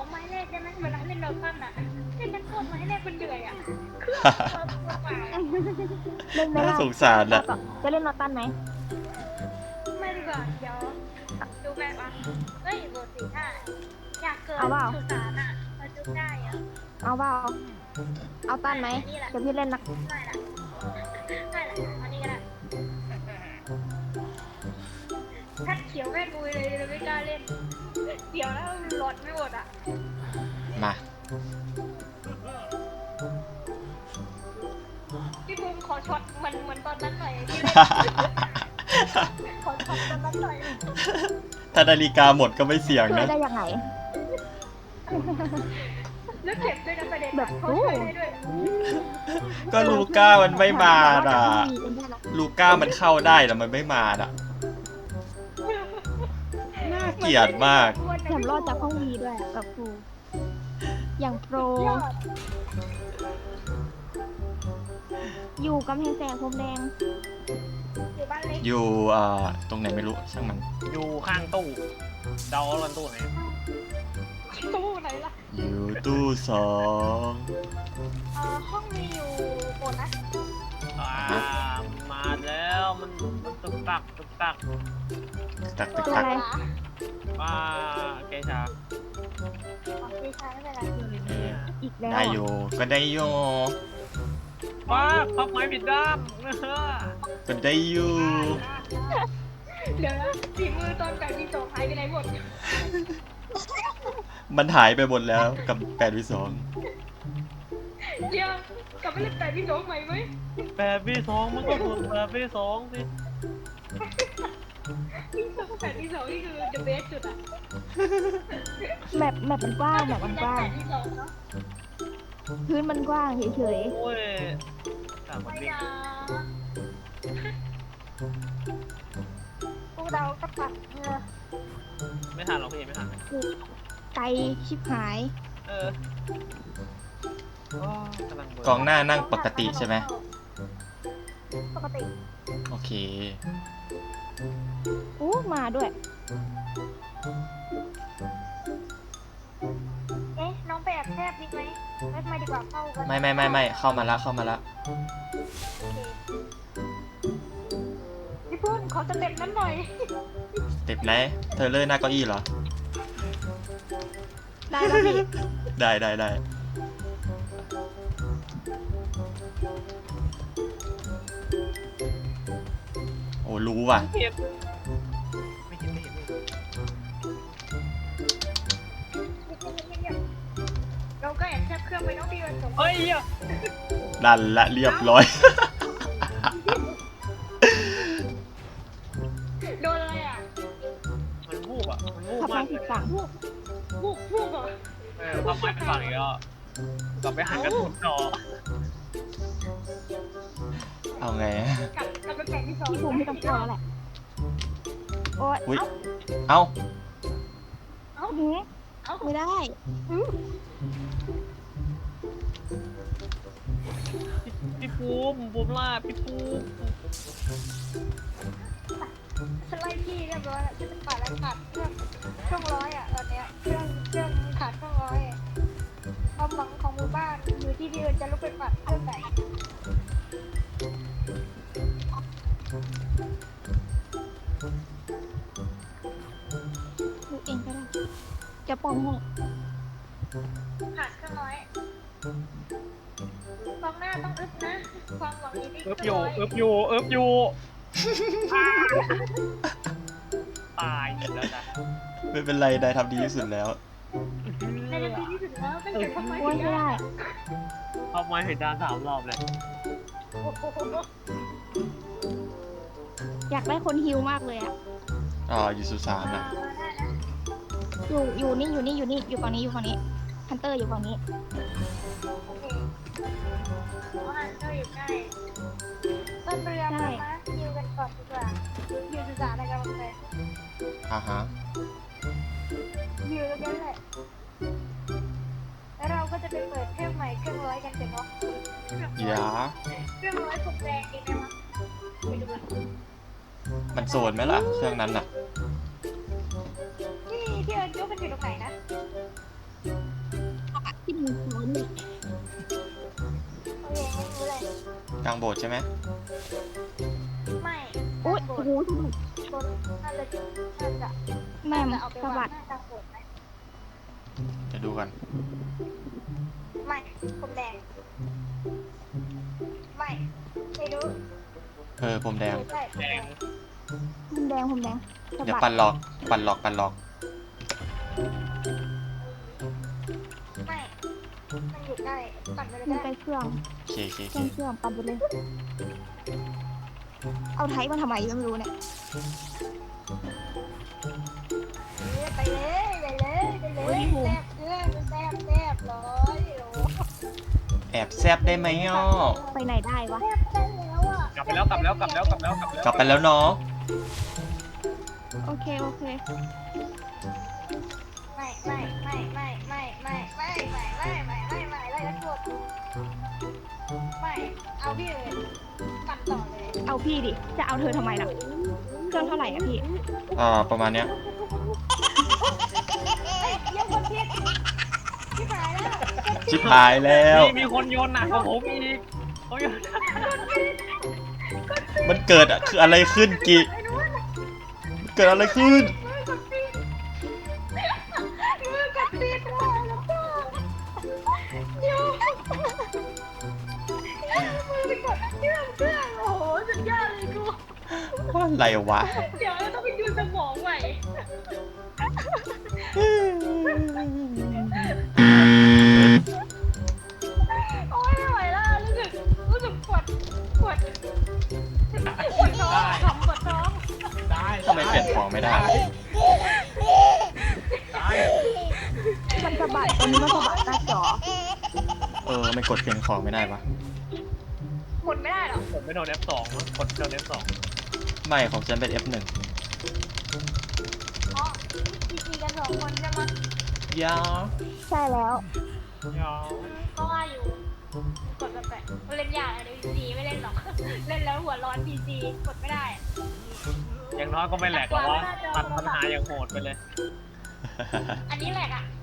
ไม้แรกได้ไหมเวลาเล่นโดตันอ่ะเล่นทั้งคนไม้แรกมันเหนื่อยอ่ะเครื่องตัวเปล่าเล่นไหมน่าล่ะสงสารอะจะเล่นนอตันไหมไม่ดีกว่าเดี๋ยวดูแม่ปะเฮ้ยโบสี่ห้าอยากเกิดสุสานอ่ะมาจุได้อ่ะเอาเปล่าเอาตันไหมเดี๋ยวพี่เล่นนักไม่ละไม่ละอันนี้ก็ได้ถ้าเขียวแม่กุยเลยเราไม่กล้าเล่นเดี๋ยวแล้วหลอดไม่หมดอ่ะมาพี่บูมขอช็อตเหมือนตอนนั้นหน่อยที่ขอช็อตตอนนั้นหน่อยถ้านาฬิกาหมดก็ไม่เสี่ยงช่วยนะได้ยังไงแล้วเก็บด้วยนะประเด็นแบบเขาช่วยได้ด้วยก็ลูก้ามันไม่มาอ่ะ ลูก้ามันเข้าได้แต่มันไม่มาอ่ะ น่าเกลียดมากแถมรอดจากห้องวีด้วยอะแบบครูอย่างโปรยอดอยู่กำแพงแสงพรมแดงอยู่บ้านเล็กอยู่ตรงไหนไม่รู้ช่างมันอยู่ข้างตู้เดาว่าตู้ไหนตู้ไหนล่ะอยู่ตู้สองห้องมีอยู่หมดนะมาแล้วมันตึกตักตักตัตักวตักอะไรมาเกชาไม่ใช่ไม่เป็นไรอีกแล้วได้อยู่ก็ได้อยู่ว้าพับไม้ผิดด้ามก็ได้อยู่เดี๋ยวนะฝีมือตอนแบบมีสองหายไปไหนหมดมันหายไปหมดแล้วกับ8v2 เดี๋ยวกลับไปเล่นแบบมีสองใหม่ไหมแบบพี่สองมันก็ถูกแบบพี่สองสิแบบมีสองนี่คือ the best สุดอะแมปมันกว้างแมปมันกว้างแบบมีสองเนาะพื้นมันกว้างเฉยโอ้ยต่างคนไม่วิ่งนะกูเดาก็ปัดเงือไม่ทันหรอกพี่ไม่ทันๆไกลชิบหายกำลังเบิร์กองหน้านั่งปกติใช่ไหมปกติโอเคอู้มาด้วยเอ๊ะน้องไปแอบแทบดีไหมไม่ไม่ดีกว่าเข้ากันไม่เข้ามาละเข้ามาละพี่พุ่มขอสเต็ปนั้นหน่อยเต็บไหนเธอเลื่อนหน้าเก้าอี้เหรอได้แล้วพี่ได้โอ้รู้ว่ะเห็นไม่เห็นเราก็แอบแทบเครื่องไปน้องพี่วันสงเฮ้ยดันละเรียบร้อยโดนอะไรอ่ะมันวูบมันวูบขับมามาก ผิดฝั่งวูบเหรอพับไม้เป็นฝั่งอีกแล้วกลับไปหันกระสุนจอเอาไงกลับไปแข่งที่สองพี่ภูมิไม่ต้องกลัวแล้วแหละ โอ๊ยอุ๊ยเอ้าหือเอ้าไม่ได้พี่ภูมิล่าพี่ภูมิฉันไล่พี่เรียบร้อยแล้วฉันจะขาดอะไรขาดเครื่องช่วงร้อยอ่ะตอนเนี้ยเครื่องขาดช่วงร้อยความหวังของหมู่บ้านอยู่ที่พี่เอิญจะลุกไปปัดเครื่องไหนดูเองก็ได้ จะป้องให้ขาดเครื่องร้อยกองหน้าต้องอึบนะความหวังอยู่ที่เอิบเคอรื่ยู่องร้อยเอิบอยู่ตายแล้วนะไม่เป็นไรได้ทำดีที่สุดแล้วในนาทีที่สุดแล้วตั้งแต่ทำไมโอ๊ยไม่ได้พับไม้ผิดด้าน3 รอบเลยโอ้โหอยากได้คนฮิวมากเลยอ่ะอยู่สุสานมาอ่ะได้นะอยู่นี่อยู่ฝั่งนี้ฮันเตอร์อยู่ฝั่งนี้โอเคเพราะอันก็อยู่ใกล้ต้นเรือมานะยิวกันก่อนดีกว่ายิวศึกษาอะไรกันบ้างเลยฮะยิวแล้วกันแหละแล้วเราก็จะไปเปิดเครื่องใหม่เครื่องร้อยกันเสร็จเนาะอย่าเครื่องร้อยผมแรงดีไหมวะไปดูกันมันโซนไหมล่ะ เครื่องนั้นอ่ะพี่เอิญยกมันอยู่ตรงไหนนะกลางโบสถ์ใช่ไหมไม่อุ้ยโบโอ้สถ์โหต้นน่าจะแม่น่าจะเอาไปสะวาบังดหน้ากลางโบสถ์ไหมเดี๋ยวดูกันไม่ผมแดงไม่รู้ผมแดงใช่แดงผมแดงผมแดงสะเดี๋ยวบัปั่ดนหลอก ปั่นหลอก ปั่นหลอกไม่มันอยู่ใกล้ปั่นไปเลยมันได้ใกล้เครื่องโอเคโอเคโอเคเครื่องปั่นไปเลย เอาไทยมาทำไมก็ไม่รู้เนี่ยไปเลยไปเลยไปเลยแซ่บเรื่องแซ่บเลยโอ้แอบแซบได้ไหมอ่ะไปไหนได้วะแซ่บได้แล้วอ่ะกลับไปแล้วกลับแล้วกลับแล้วกลับแล้วกลับแล้วกลับไปแล้วเนาะโอเคโอเคไม่ไล่ทั้งหมดไม่เอาพี่เลยปั่นต่อเลยเอาพี่ดิ จะเอาเธอทำไมล่ะ เครื่องเท่าไหร่อะพี่ประมาณเนี้ยเยี่ยมคนเพี้ยนพี่หายแล้วชิบหายแล้วมีคนโยนหนักกว่าผมอีกเขาโยนมันเกิดคืออะไรขึ้นกิเกิดอะไรขึ้นมือกัดตีนว่ะแล้วก็โยมือไปกดเครื่องโอ้โหสุดยอดเลยกูอะไรวะเดี๋ยวเราต้องไปดูสมองใหม่โอ้ยไม่ไหวแล้วรู้สึกปวดท้องปวดท้องได้ทำไมเปลี่ยนของไม่ได้ได้มันสะบัดตอนนี้มันสะบัดหน้าจอมันกดเปลี่ยนของไม่ได้ปะหมดไม่ได้หรอผมไม่โดน F2 มั้งกดโดน F2 ไม่ของฉันเป็น F1 อ๋อจีกัน2 คนใช่ไหมยาใช่แล้วยาวก็ว่าอยู่กดแบบเล่นยากเลยพีซีไม่เล่นหรอกเล่นแล้วหัวร้อนพีซีกดไม่ได้อย่างน้อยก็ไม่แหลกหรอกว่าตัดปัญหาอย่างโหดไปเลยอันนี้แหละอ่ะ